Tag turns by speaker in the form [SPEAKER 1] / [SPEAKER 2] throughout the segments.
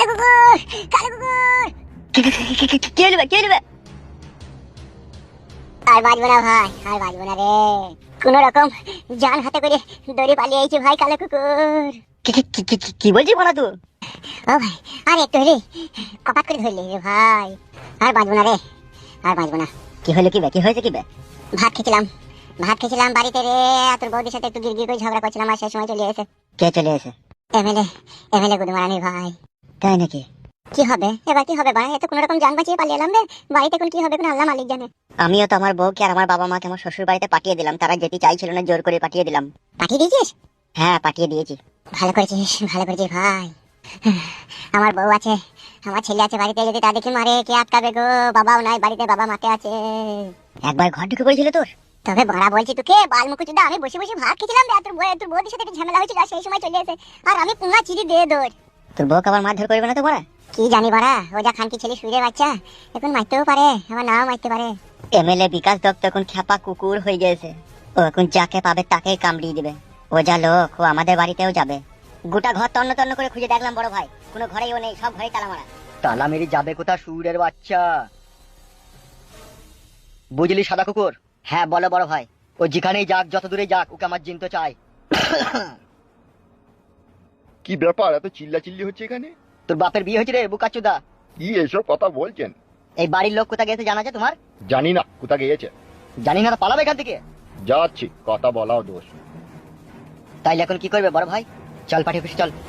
[SPEAKER 1] কুকুর, কালো কুকুর।
[SPEAKER 2] কে নেবে কে নেবে?
[SPEAKER 1] আর বাঁচবো না ভাই, আর বাঁচবো না রে। কোন রকম জান হাতে করে দড়ি পালিয়েছি ভাই কালো কুকুর।
[SPEAKER 2] কি বলছিস বলা তুই?
[SPEAKER 1] ও ভাই, আর একটু হলে কপাত করে ধরলি রে ভাই। আর বাঁচবো না রে, আর বাঁচবো না।
[SPEAKER 2] কি হলো কি বে? কি হয়েছে কি বে?
[SPEAKER 1] ভাত খেয়েছিলাম বাড়িতে রে। আর তোর বৌদির সাথে একটু গিরগির করে ঝগড়া করছিলাম, আর সেই সময় চলে এসে
[SPEAKER 2] কে চলে এসে?
[SPEAKER 1] এমএলএ গুদমারানি ভাই।
[SPEAKER 2] তাই নাকি?
[SPEAKER 1] কি হবে এবার, কি হবে ভাই? এত কোন রকম জান বাঁচিয়ে পালিয়ে এলাম রে। বাড়িতে এখন কি হবে কোন আল্লাহ মালিক জানে।
[SPEAKER 2] আমিও তো আমার বউকে আর আমার বাবা মাকে আমার শ্বশুর বাড়িতে পাঠিয়ে দিলাম, তারা যেতে চাইছিল না, জোর করে পাঠিয়ে দিলাম।
[SPEAKER 1] পাঠিয়ে দিয়েছিস?
[SPEAKER 2] হ্যাঁ পাঠিয়ে দিয়েছি।
[SPEAKER 1] ভালো করেছিস, ভালো করেছিস ভাই। আমার বউ আছে, আমার ছেলে আছে বাড়িতে, যদি তাদেরকে মারে কে আটকাবে গো? বাবাও নাই বাড়িতে, বাবা মাকে আছে।
[SPEAKER 2] একবার ঘর ঢুকে পড়েছিল তোর?
[SPEAKER 1] তবে বড়া বলছি তোকে বালমুকুচুদা, আমি বসে বসে ভাত খেয়েছিলাম রে, আর তোর বউদের সাথে একটা ঝামেলা হয়েছিল, আর সেই সময় চলে এসে আর আমি পুঙ্গা চিড়ি দিয়ে দৌড়।
[SPEAKER 2] তোর বউকে আবার মারধর করবে না তো বড়া?
[SPEAKER 1] কি জানি বড়া, ও যা খানকি ছেলে শুয়ে বাচ্চা, এখন মারতেও পারে আবার নাও মারতে পারে।
[SPEAKER 2] এমএলএ বিকাশ দত্ত এখন খ্যাপা কুকুর হয়ে গেছে। ও এখন যাকে পাবে তাকেই কামড়িয়ে দিবে। ও যা লোক, ও আমাদের বাড়িতেও যাবে। গোটা ঘর তন্ন তন্ন করে খুঁজে দেখলাম বড় ভাই, কোনো ঘরেই ও নেই, সব ঘরেই তালা মারা।
[SPEAKER 3] তালা মেরে যাবে কোথা সুরের বাচ্চা? বুঝলি সাদা কুকুর? হ্যাঁ বলো বড় ভাই। ও যেখানেই যাক, যত দূরে যাক, ওকে আমার জিনতে চাই।
[SPEAKER 4] কি ব্যাপার, এত চিল্লাচিল্লি হচ্ছে এখানে?
[SPEAKER 3] তোর বাপের বিয়ে হয়েছে রে বুকাচুদা।
[SPEAKER 4] কি এসব কথা বলছেন?
[SPEAKER 3] এই বাড়ির লোক কোথা গেছে জানা আছে তোমার?
[SPEAKER 4] জানি না কোথা গিয়েছে।
[SPEAKER 3] জানি না তো পালাবে এখান থেকে।
[SPEAKER 4] যাচ্ছি, কথা বলাও দোষ।
[SPEAKER 3] তাইলে এখন কি করবে বড় ভাই? চল পাঠিয়ে অফিসে চল।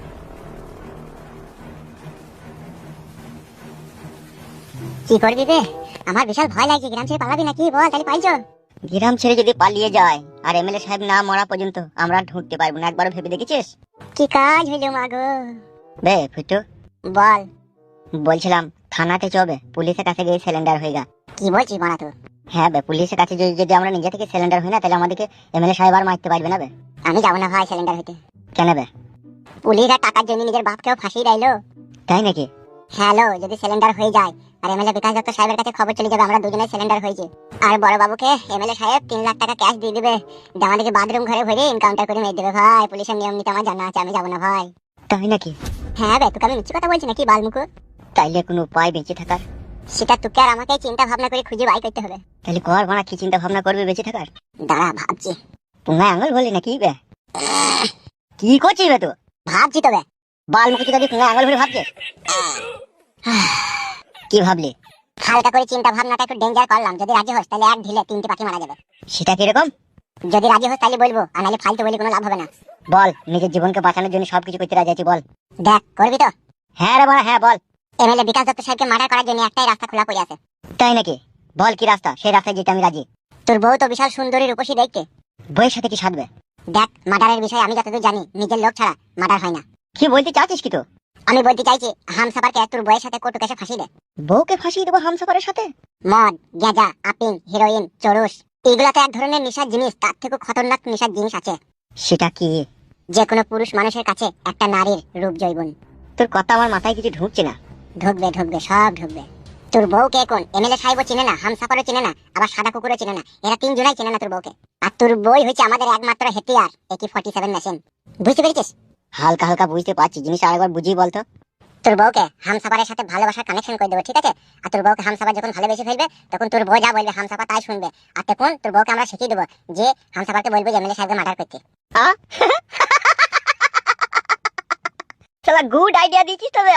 [SPEAKER 1] কি করবি রে? আমার বিশাল ভয় লাগছে, গ্রাম ছেড়ে পালাবি নাকি বল, তাহলে পাইছো?
[SPEAKER 2] গ্রাম ছেড়ে যদি পালিয়ে যায় আর এমএলএ সাহেব না মরা পর্যন্ত আমরা ঢুকতে পারবো না, একবারও ভেবে দেখেছিস?
[SPEAKER 1] কি কাজ হইলো মাগো?
[SPEAKER 2] বে ফুটু,
[SPEAKER 1] বল।
[SPEAKER 2] বলছিলাম থানাতে চবে, পুলিশের কাছে গিয়ে সিলিন্ডার হয়ে গা।
[SPEAKER 1] কি বলছিস মারা তুই?
[SPEAKER 2] হ্যাঁ বে, পুলিশের কাছে যদি আমরা নিজে থেকে সিলিন্ডার হই না, তাহলে আমাদেরকে এমএলএ সাহেব আর মারতে পারবে না বে।
[SPEAKER 1] আমি যাবো না ভাই সিলিন্ডার হইতে।
[SPEAKER 2] কেন বে?
[SPEAKER 1] পুলিশরা টাকার জন্য নিজের বাপকেও ফাঁসিয়ে দিলো।
[SPEAKER 2] তাই নাকি?
[SPEAKER 1] হ্যালো, যদি সিলিন্ডার হয়ে যায় আর এমএলএ বিকাশ দত্ত সাহেবের কাছে খবর চলে যাবে আমরা দুজনে সিলিন্ডার হয়েছে, আর বড় বাবুকে এমএলএ সাহেব 3 লাখ টাকা ক্যাশ দিয়ে দিবে, আমাদেরকে বাথরুম ঘরে ভরে এনকাউন্টার করে মেরে দেবে ভাই। পুলিশের নিয়ম নীতি আমার জানা আছে, আমি যাবো না ভাই।
[SPEAKER 2] তাই নাকি?
[SPEAKER 1] হ্যাঁ বে, তোকে আমি মিথ্যে কথা বলছি নাকি বালমুকু?
[SPEAKER 2] তাইলে কোনো উপায় বেঁচে থাকার?
[SPEAKER 1] সেটা তোকে আর আমাকে চিন্তা ভাবনা করে খুঁজে বাই করতে হবে।
[SPEAKER 2] তাহলে কর বানা, কি চিন্তা ভাবনা করবে বেঁচে থাকার?
[SPEAKER 1] দাঁড়া ভাবছি।
[SPEAKER 2] পুঙ্গায় আঙুল বলি নাকি বে? কি করছিস বে তুই?
[SPEAKER 1] ভাবছি তবে।
[SPEAKER 2] বাল মুখে যদি পুঙ্গায় আঙুল ভরে ভাবছে? কি ভাবলি?
[SPEAKER 1] হালকা করে চিন্তা ভাবনাটা একটু ডেঞ্জার করলাম, যদি রাজি হোস তাহলে এক ঢিলে 3টে পাখি মারা যাবে।
[SPEAKER 2] সেটা কিরকম?
[SPEAKER 1] যদি রাজি হোস তাহলে বলবো, আর নাহলে ফালতু বলে কোনো লাভ হবে না।
[SPEAKER 2] বল, নিজের জীবনকে বাঁচানোর জন্য সবকিছু করতে রাজি আছি, বল।
[SPEAKER 1] দেখ, করবি তো?
[SPEAKER 2] হ্যাঁ রে বানা, হ্যাঁ বল।
[SPEAKER 1] এমএলএ বিকাশ দত্ত সাহেবকে মার্ডার করার জন্য একটাই রাস্তা খোলা পড়ে আছে।
[SPEAKER 2] তাই নাকি? বল কি রাস্তা, সেই রাস্তায় যেতে আমি রাজি।
[SPEAKER 1] তোর বউ তো বিশাল সুন্দরী রূপসী দেখতে।
[SPEAKER 2] বইয়ের সাথে কি সাধবে?
[SPEAKER 1] দেখ, মার্ডারের বিষয়ে আমি যতদূর জানি, নিজের লোক ছাড়া মার্ডার হয় না।
[SPEAKER 2] কি বলতে চাচ্ছিস কি তো?
[SPEAKER 1] আমি বলতে চাইছি, হামসাফারকে তোর বউয়ের সাথে কোর্টে কেসে ফাঁসি দে।
[SPEAKER 2] বউকে ফাঁসিয়ে দেবো হামসাফারের সাথে?
[SPEAKER 1] মদ, গাঁজা, আপিং, হিরোইন, চরুস, এগুলো তো এক ধরনের নেশার জিনিস, তার থেকে খতরনাক নেশার জিনিস আছে।
[SPEAKER 2] সেটা কি?
[SPEAKER 1] যে কোনো পুরুষ মানুষের কাছে একটা নারীর রূপ জৈবন।
[SPEAKER 2] তোর কথা আমার মাথায় কিছু ঢুকছে না।
[SPEAKER 1] ঢুকবে ঢুকবে, সব ঢুকবে। তোর বউকে এখন এমএলএ সাহেবও চিনে না, হামসাফারও চিনে না, আবার সাদা কুকুরও চিনে না, এরা 3 জনাই চিনে না তোর বউকে। আর তোর বই হচ্ছে আমাদের একমাত্র হেতিয়ার, AK-47 মেশিন। বুঝতে পেরেছিস?
[SPEAKER 2] হালকা হালকা বুঝতে পারছি, জিনিসটা আরেকবার বুঝিয়ে বলতো।
[SPEAKER 1] তোর বউকে হামসাফারের সাথে ভালোবাসার কানেকশন করে দেবো, ঠিক আছে? আর তোর বউকে হামসাফার যখন ভালোবেসে ফেলবে, তখন তোর বউ যা বলবে হামসাফার তাই শুনবে। আর তখন তোর বউকে আমরা শিখিয়ে দেবো যে হামসাফারকে বলবো যে এমএলএ সাহেবকে মার্ডার করতে।
[SPEAKER 2] শালা গুড আইডিয়া দিছিস তবে।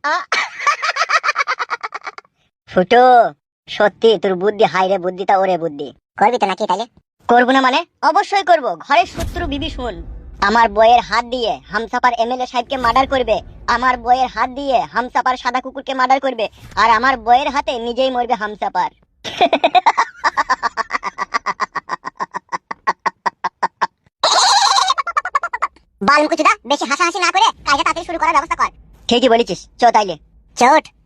[SPEAKER 2] ফুটো, সত্যি তোর বুদ্ধি হাই রে, বুদ্ধিটা ওরে বুদ্ধি।
[SPEAKER 1] করবি তো নাকি তাহলে?
[SPEAKER 2] করবো না মানে? অবশ্যই করবো। ঘরের শত্রু বিবি শুন, আমার বইয়ের হাত দিয়ে হামসাপার এমএলএ সাহেবকে মার্ডার করবে, আমার বইয়ের হাত দিয়ে হামসাপার সাদা কুকুরকে মার্ডার করবে, আর আমার বইয়ের হাতে নিজেই মরবে হামসাপার।
[SPEAKER 1] বালমুকুচুদা, বেশি হাসাহাসি না করে কাজটা তাড়াতাড়ি শুরু করার ব্যবস্থা কর।
[SPEAKER 2] ঠিকই বলেছিস, চ তাইলে।
[SPEAKER 1] চোট।